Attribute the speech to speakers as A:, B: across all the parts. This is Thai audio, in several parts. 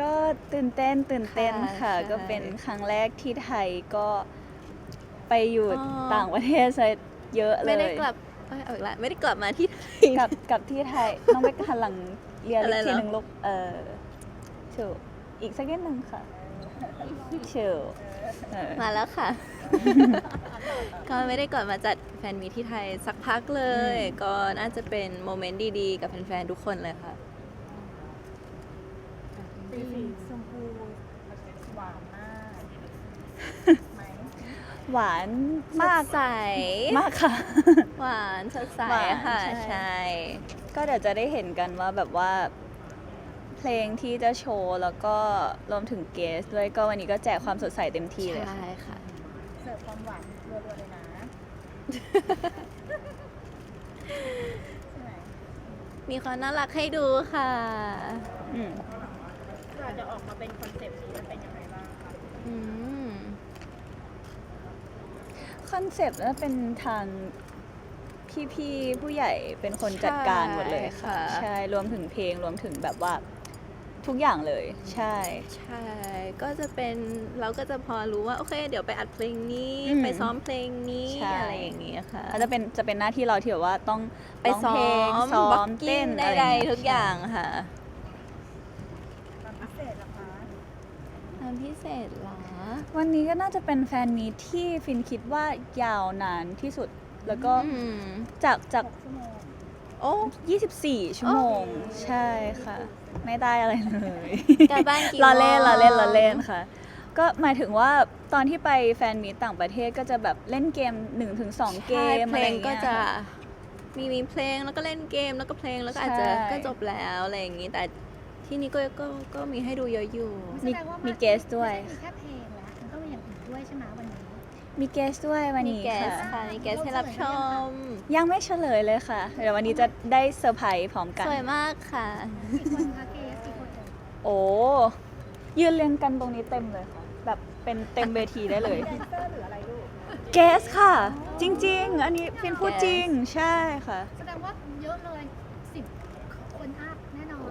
A: ก็ตื่นเต้นค่ะก็เป็นครั้งแรกที่ไทยก็ไปอยู่ต่างประเทศซะเยอะเลย
B: ไม่ได้กลับเอาอีกแล้วไม่ได้กลับมาที่ไทย
A: กับที่ไทยน้องไปหันหลังเรียน
B: อะไร
A: อีกที
B: เหรอ
A: หนึ่งลูกเชิวอีกสักนิดนึงค่ะเชิว
B: มาแล้วค่ะ ก็ไม่ได้กลับมาจัดแฟนมีตที่ไทยสักพักเลย ก็น่าจะเป็นโมเมนต์ดีๆ กับแฟนๆ ทุกคนเลยค่ะ
C: สีชมพูหวานมากไหม
A: หวาน
B: มาม
A: าก
B: กใส
A: มากค่ะ
B: หวานสดใส
A: หวาน
B: ค่ะ
A: ใช่
B: ใช่
A: ก็เดี๋ยวจะได้เห็นกันว่าแบบว่าเพลงที่จะโชว์แล้วก็รวมถึงเกสด้วยก็วันนี้ก็แจกความสดใสเต็มที่เลยค่ะ
B: ใช่ค่ะ
C: เสิร์ฟความหวานรัวๆเลยนะใช่ไหม
B: มีความน่ารักให้ดูค่ะ
A: อืม
C: เราจะออกมาเป็นคอนเซ็ปต์นี้มันเป็นยังไงบ้างคะ
B: อืม
A: คอนเซปต์น่าเป็นทางพี่ๆผู้ใหญ่เป็นคนจัดการหมดเลยค่ะ
B: ใช่ค่ะ
A: ใช่รวมถึงเพลงรวมถึงแบบว่าทุกอย่างเลย ใช่
B: ใช่ ก็จะเป็นเราก็จะพอรู้ว่า โอเค เดี๋ยวไปอัดเพลงนี้ ไปซ้อมเพลงนี้
A: ใช่
B: อะไรอย่างนี้ค่ะ
A: อาจจะเป็นหน้าที่เราที่แบบว่าต้อง
B: ไป
A: ร้อง
B: ซ้อ
A: เพลง
B: ม
A: ซ้อบ
B: ล็อก
A: ม
B: กิ้
A: เต้
B: ง
A: น
B: ใ
A: อะไร
B: ดๆทุกอย่างค่ะ
C: ความพิเศษเหรอคะ
B: ทำพิเศษเหรอ
A: วันนี้ก็น่าจะเป็นแฟนมีตที่ฟินคิดว่ายาวนานที่สุด แล้วก็
B: อืม
A: จาก
C: 6 ชั่วโมง
B: โอ้
A: 24 ชั่วโมง ใช่ค่ะ ไม่ได้อะไรเลย
B: กลับบ้านกี่
A: ล้อเล่น
B: โมง
A: ล้อเล่นล้อเล่นค่ะ ก็หมายถึงว่าตอนที่ไปแฟนมีตต่างประเทศก็จะแบบเล่นเกม 1-2 เก
B: ใช่
A: ม
B: เพ
A: อะ
B: ล
A: ไรง อย่าง
B: ก็
A: เงี้ย
B: จะมีเพลงแล้วก็เล่นเกมแล้วก็เพลงแล้วก็อาจจะ
A: ใช่
B: ก็จบแล้วอะไรอย่างนี้ แต่ที่นี่ก็มีให้ดูเยอะอยู่
C: แสดงว่า
A: มีเกสด้วย
C: ไม่ใช่มีแค่เพลงแล้วมันต้องมีอย่างอื่นด้วยใช่ไหมวันนี้
A: มีเกสด้วยวัน
B: มี
A: นี้
B: แกส
A: ค่ะ
B: ค่ะมีแกสให้รับชม
A: ยังไม่เฉลยเลยค่ะ เดี๋ยววันนี้จะได้เซอร์ไพรส์พร้อมกัน
B: สวยมากค่ะ
C: กี่คนคะเกสกี่คนเอ่ย
A: โอ้ยืนเรียงกันตรงนี้เต็มเลยค่ะ แบบเป็นเต็มเวทีได้เลย
C: แดนเซอร์หรืออะไรลูก
A: เกสค่ะ จริง ๆ อันนี้ฟินพูดจริง ใช่ค่ะ
C: แสดงว่าเยอะเลย10 คนอัพแน่นอน
A: โอ้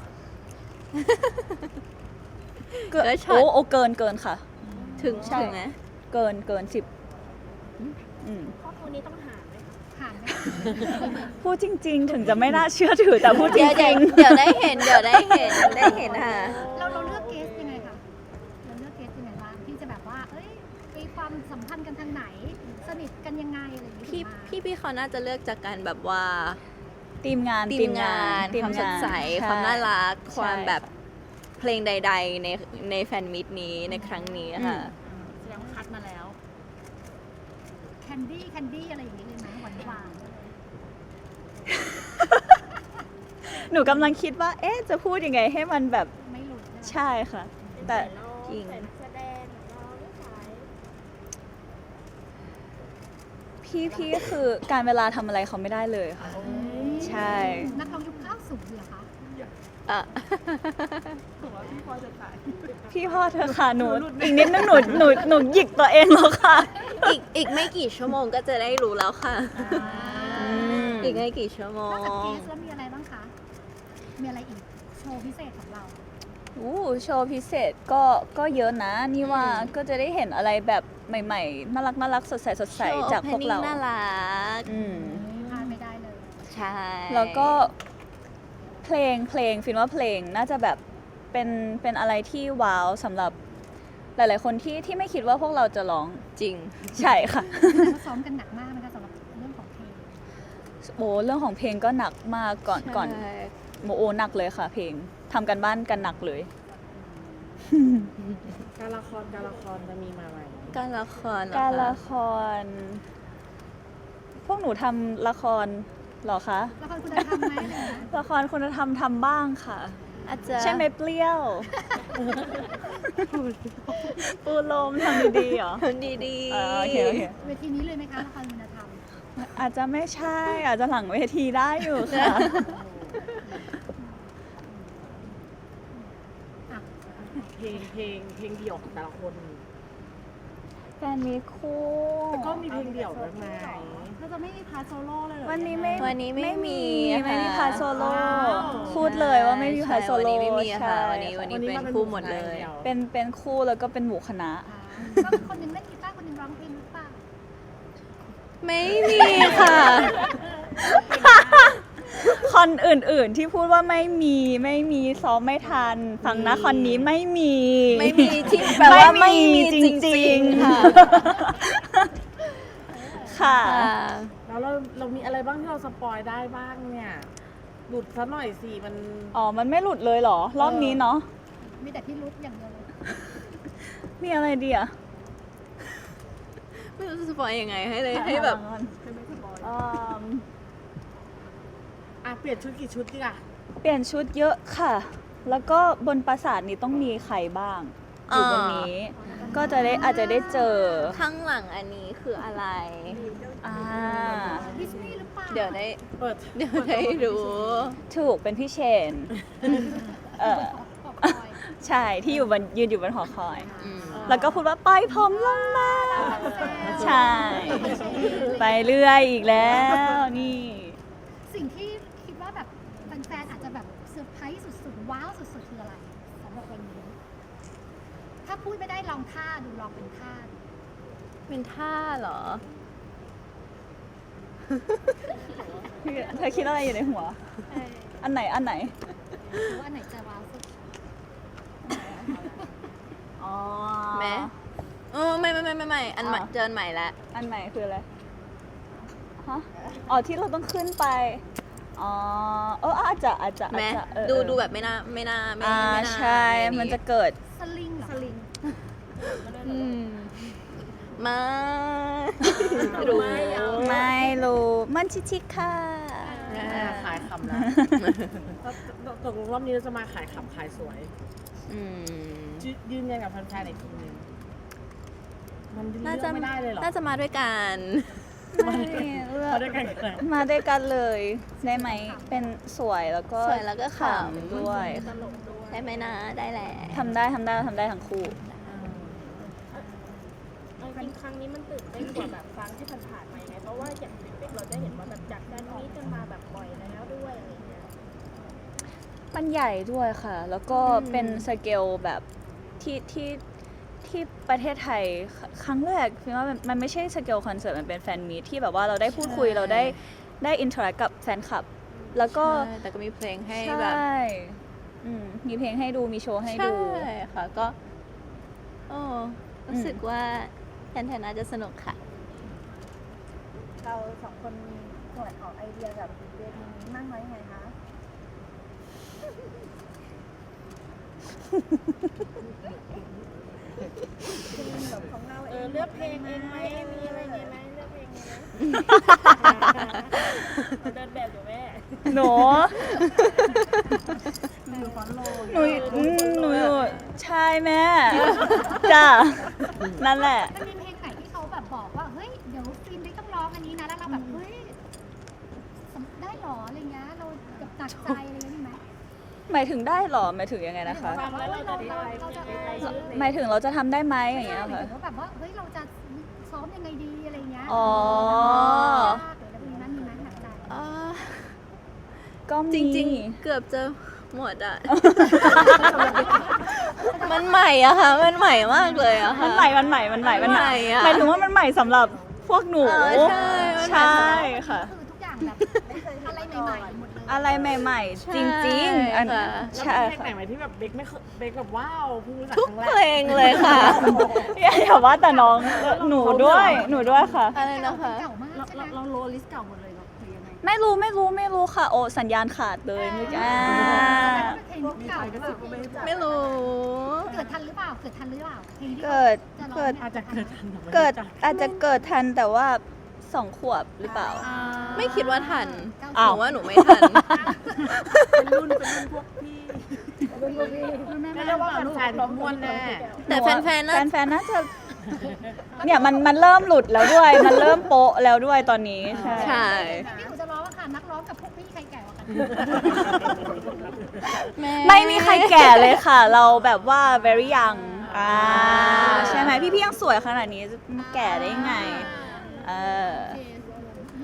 C: เกส
A: เกิน
B: แล้วช็อต
A: โอ้เกินค่ะ
B: ถึง
A: ใช่
B: ถึงไหม
A: เกิน10อืม
C: ข้อมูลนี้ต้องหารไหมหารไหม
A: พูดจริง ๆ ถึงจะไม่น่าเชื่อถือแต่พูดจ
B: เดี๋ยว
A: ริง
B: เดี๋ยวได้เห็นได้เห็นค่ะ
C: เราเลือกเกสยังไงคะเราเลือกเกสยังไงบ้างที่จะแบบว่า เอ้ยมีความสัมพันธ์กันทางไหน สนิทกันยังไงอะไรอย่างนี้
B: พี่
C: ถึงมา
B: พี่เขาน่าจะเลือกจากการแบบว่า
A: ๆทีมงาน
B: ทีมงาน
A: ที
B: ความสดใส
A: ใช่
B: ความน่ารัก
A: ใช่
B: ความแบบเพลงใด ๆ ในแฟนมิตนี้ในครั้งนี้ค่ะ
C: แสดงว่าคัดมาแล้วแคนดี้อะไรอย่างนี้เลยไหมหวานหวาน
A: หนูกำลังคิดว่า เอ๊ะ จะพูดยังไงให้มันแบบ
C: ไม่หลุดใช่ไหม
A: ใช่ค่ะ แต่
B: จริง
C: แสดงของเราไม่ขาย
A: พี่คือการเวลาทำอะไรเขาไม่ได้เลยค่ะ ใช่
C: นักร้องยุค90เหรอคะ
B: อ่ะ
A: พี่พ่อเธอค่ะหนูอีกนิดนึงหนูหยิกตัวเองแล้วค่ะ
B: อีกไม่กี่ชั่วโมงก็จะได้รู้แล้วค่ะ
A: ม
B: อีกไม่กี่ชั่วโม
C: นอกจาก
B: ง
C: เกสแล้วมีอะไรบ้างคะ มีอะไรอีก โชว์พิเศษของเรา
A: อู้โชว์พิเศษก็เยอะนะ นี่ว่าก็จะได้เห็นอะไรแบบใหม่ๆ น่ารักสดใสจากพวกเรา
B: น่ารัก
A: อืม
C: พลาดไม่ได้เลย
B: ใช่
A: แล้วก็เพลงฟินว่าเพลงน่าจะแบบเป็นอะไรที่ว้าวสำหรับหลายๆคนที่ไม่คิดว่าพวกเราจะร้อง
B: จริง
A: ใช่ค่ะ
C: แต่ว่าซ้อมกันหนักมากนะคะสำหรับเรื่องของเพลง
A: โอ้เรื่องของเพลงก็หนักมากก่อน
B: ใช่
A: โมโอหนักเลยค่ะ เพลงทำกันบ้านกันหนักเลย
D: การละครจะมีมาไหม
B: การละครเหอ
A: การ
B: คะ
A: ละคร พวกหนูทำละครเหรอคะ
C: ละครคุณธรรมไหมอะไรอย่างเงี้ย
A: ละครคุณธรรมทำบ้างค่ะ
B: อาจจะ
A: ใช่ไหมเปรี้ยว ปูลมทำดีๆเหรอ
B: คนดี
A: โอเค
C: เวทีนี้เลยไหมคะละครคุณธรรม
A: อาจจะไม่ใช่ อาจจะหลังเวทีได้อยู่ค่ะ
C: อ่ะ
D: เพลงเดี่ยวของแต่ละคน
A: แฟนมีคู่
D: แต่ก็มีเพลงเดี่ยวด้วยไหม
C: เก็จะไม่มีพาร์ทโซโล่เลยเหรอ
A: วันนี้ไม่
B: วันนี้ไม่มี
A: ไม่มี
B: ค่ะ
A: พาร์ทโซโล่
C: ว้าว
A: พูดเลยว่าไม่มีพาร์ทโซโล่
B: วันนี้ไม่มีค่ะ
A: ใช่
B: วันนี้เป็นคู่หมดเลย
A: เป็นคู่แล้วก็เป็นหมู่คณะ
C: ก็คนหนึงเล่นกีตาร์คนหนึงร้องเพลงหรือเปล่า
B: ไม่มีค่ะ
A: คอนอื่นๆที่พูดว่าไม่มีซ้อมไม่ทันฟังนะคอนนี้ไม่มี
B: ไม่มีที่แปลว่าไม่มีจริงๆค่ะ
A: ค่ะ
D: แล้วเรามีอะไรบ้างที่เราสปอยได้บ้างเนี่ยหลุดซะหน่อยสิมัน
A: อ๋อ มันไม่หลุดเลยเหรอ รอบนี้เนาะ
C: มีแต่พี่รุธอย่างเดียวเลย
A: มีอะไรดีอะ
B: ไม่รู้จะสปอยยังไงให้เลยให้แบบ
A: อืม
D: เปลี่ยนชุดกี่ชุดดีอ่ะ
A: เปลี่ยนชุดเยอะค่ะ แล้วก็บนปราสาทนี้ต้องมีใครบ้างอยู่บนนี้ ก็จะได้อาจจะได้เจอ
B: ข้างหลังอันนี้คืออะไร
A: อ่า
C: ดิสนีย์หรือเปล่า
B: เดี๋ยวได้
D: เปิด
B: ได้รู้
A: ถูกเป็นพี่เชน เออ
C: ขอบคอย
A: ใช่ที่อยู่บนยืนอยู่บนหอคอย
B: อืม
A: แล้วก็พูดว่าปล่อยผมลงมา ใช่ ไปเรื่อยอีกแล้วนี่
C: สิ่งที่คิดว่าแบบแฟนๆอาจจะแบบเซอร์ไพรส์สุดๆ ว้าวสุดๆ คืออะไรสำหรับวันนี้ ถ้าพูดไม่ได้ลองท่าดูลองเป็นท่าดู
B: เป็นท่าเหรอ
A: เธอคิดอะไรอยู่ในหัว อันไหน
C: หรือว่าอันไหนจะว้าวสุด
A: อ๋อ
B: แม้ไม่อันใหม่
A: อ้าว
B: เจออันใหม่แล้ว
A: อันไหนคืออะไร ฮะ อ๋อที่เราต้องขึ้นไป อ๋อ อาจจะ
B: แม้
A: เออ
B: ดูแบบไม่น่าไม่น่า
A: ใช่ มันจะเกิด
C: สลิงเหรอ สลิง
A: อืม
B: มารู้
A: ไม่รู้ มันชิคค่ะ
D: ขายคำแล้วตกลงรอบนี้เราจะมาขายคำขายสวย
B: อืม
D: ยืนยันกับแฟนๆอีกทีนึงมันเลื
B: น่า
D: อก
B: จะ
D: ไม่ได้เลยเหรอ
B: น่าจะมาด้วยกัน
A: ไม่เลือ
D: มาก ด้วยกันเลย
A: มาด้วยกันเลย ได้ไหม เป็นสวยแล้วก็
B: สวยแล้วก็ขำ
A: ำด้วย
B: ได้ไหมนะได้แหละ
A: ทำได้ทั้งคู่
E: เอาจริงครั้งนี้มันตื่นเต้นกว่าแบบครั้งที่ผ่านๆมาไงเพราะว่าอย่างเด็กเราได้เห็นว่าแบบจากแฟนมีตกันมาแบบบ่อยแล้วด้วยอะไรอย่างเงี้ย
A: มันใหญ่ด้วยค่ะ แล้วก็เป็นสเกลแบบที่ประเทศไทยครั้งแรกคือว่ามันไม่ใช่สเกลคอนเสิร์ตมันเป็นแฟนมีตที่แบบว่าเราได้พูดคุย
B: ใช่
A: เราได้อินเทอร์แอคกับแฟนคลับ แล้วก็
B: ใช่แต่ก็มีเพลงให้
A: ใช่
B: แบบ
A: มีเพลงให้ดูมีโชว์ให้ดู
B: ใช่ค่ะก็โอ้รู้สึกว่าแทนน่าจะสนุกค่ะ
E: เราสองคนมีส่วนออกไอเดียแบบเวทีนี้มากน้อยยังไงคะเพลงแบบของเราเองเลือกเพลงเองไหมมีอะไรอย่างเงี้ยไหมเลือกเพลงเองไหมเราเดินแบบอยู่แม่
A: หนู
D: อยู่ฟอนโล
A: หนูอยู่ใช่แม่ จ้านั่นแหละ
C: มันมีเพลงไหนที่เขาแบบบอกว่า เฮ้ย เดี๋ยวฟิล์มได้ต้องร้องอันนี้นะ แล้วเราแบบ เฮ้ย ได้หรออะไรเงี้ย เราแบบตักใจอะไรเงี้ยมีไหม
A: หมายถึงได้เหรอหมายถึงยังไงนะคะ
C: ฟังแล้วเราจะ
A: หมายถึงเราจะทำได้ไหมอย่าง
C: ไม่
A: เงี้ย
C: ใช่หมาย
A: ค่ะ
C: ถึงว่าแบบว่า เฮ้ย เราจะซ้อมยังไงดีอะไรเงี้ย
A: อ๋อ
C: หรืออะไรมีนั้นมีไหมหนักใจ
A: ก็มี
B: จริงๆ เกือบจะหมดอ่ะ มันใหม่อะค่ะ มันใหม่มากเลยอะค่ะ
A: มันใหม่อะ
B: มันใหม่อะ
A: หมายถึงว่ามันใหม่สำหรับพวกหนู
B: ใช่มันใหม่
A: ใช่ค่ะ
C: คือทุกอย่างแบบอะไรใหม่ๆหมดเลย
A: อะไรใหม่ๆ จริงๆอัน
B: ค่ะ
D: แล้ว
A: ใช่
D: เพลงไหน
A: ค่ะ
D: ไหมที่แบบเบคไม่เคยเบคแบบว้าวเพิ่งรู้จัก
B: ทุก
D: ครั้งแร
B: เพล
D: ก
B: งเลยค่ะ
A: อย่าว่าแต่น้องหนูด้วยค่ะ
B: อะไรนะคะ
C: เก่ามากใช่ไหม
E: เราโรลิสเก่าหมดเลยเหรอหรือยังไง
A: ไม่รู้ค่ะ โอ้สัญญาณขาดเลยเมื่อกี้
C: เพลงเก่าหรือเปล่า
B: ไม่รู้
C: เกิดทันหรือเปล่าเพลงที่
A: เกิด
C: จะร้อง
A: เกิด
C: นี่ย
D: อาจจะเกิดทันแต่ไม่
A: เกิด
D: รู้จั
A: อาจจะเกิดทันแต่ว่า2 ขวบหรือเปล่า
B: ไม่คิดว่าทัน
A: อ้าว
B: หนูว่าหนูไม่ทัน
D: เป็นรุ่นพวกพี่ไม่ได้ว่าแฟนๆม้วนแน่
B: แต่แฟนๆน่า
A: แฟนๆน่าจะเนี่ยมันเริ่มหลุดแล้วด้วย มันเริ่มโป๊ะแล้วด้วยตอนนี้ใช่
B: ใช่
C: เพลงที่หนูจะร้องอะค่ะนักร้องกับพวกพี่ใครแก่กว่ากัน
A: ไม่มีใครแก่เลยค่ะ เราแบบว่า very young ใช่ไหมพี่ๆยังสวยขนาดนี้จะแก่ได้ยังไง เออ
C: โอเค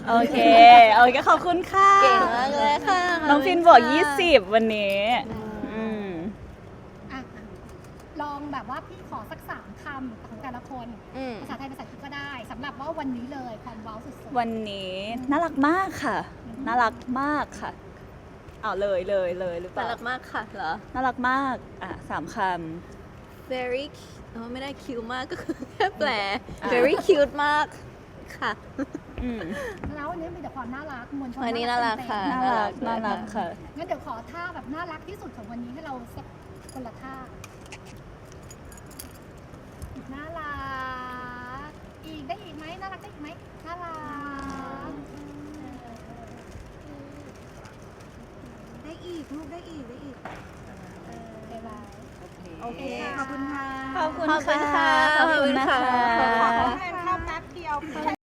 A: โอเคขอบคุณค่ะ
B: เก่งมากเลยค่ะ
A: น้องฟินบอก 20 วันนี้ อืม
C: อ่ะลองแบบว่าพี่ขอสัก3 คำของแต่ละคน
B: อืม
C: ภาษาไทยภาษาอังกฤษก็ได้สำหรับว่าวันนี้เลยความว้าวสุดๆ
A: วันนี้น่ารักมากค่ะ น่ารักมากค่ะเอาเลยหรือเป
B: น่า
A: ล่า
B: รักมากค่ะเหรอ
A: น่ารักมาก 3 ค
B: very ไม่ได้ cute มากก็คือแค่แปล very cute มากค่ะ
A: ำอืม
C: แล้ววันนี้มีแต่ความน่ารักมวลชน
B: วันนี้น่ารักค่ะ
A: น่ารักค่ะ
C: งั้นเดี๋ยวขอท่าแบบน่ารักที่สุดของวันนี้ให้เราสักคนละท่าน่ารักอีกได้อีกไหมน่ารักได้อีกไหมน่ารัก
D: ได้อีกลูกได้อีก
C: บ๊ายบาย
D: โอเค ขอบคุณค่ะ
A: ขอบคุณ
B: ขอบคุณค่ะ
A: ขอบคุณนะคะ
B: ขอบคุณค่ะ
D: ขอแทนข้าวแป๊บเดียว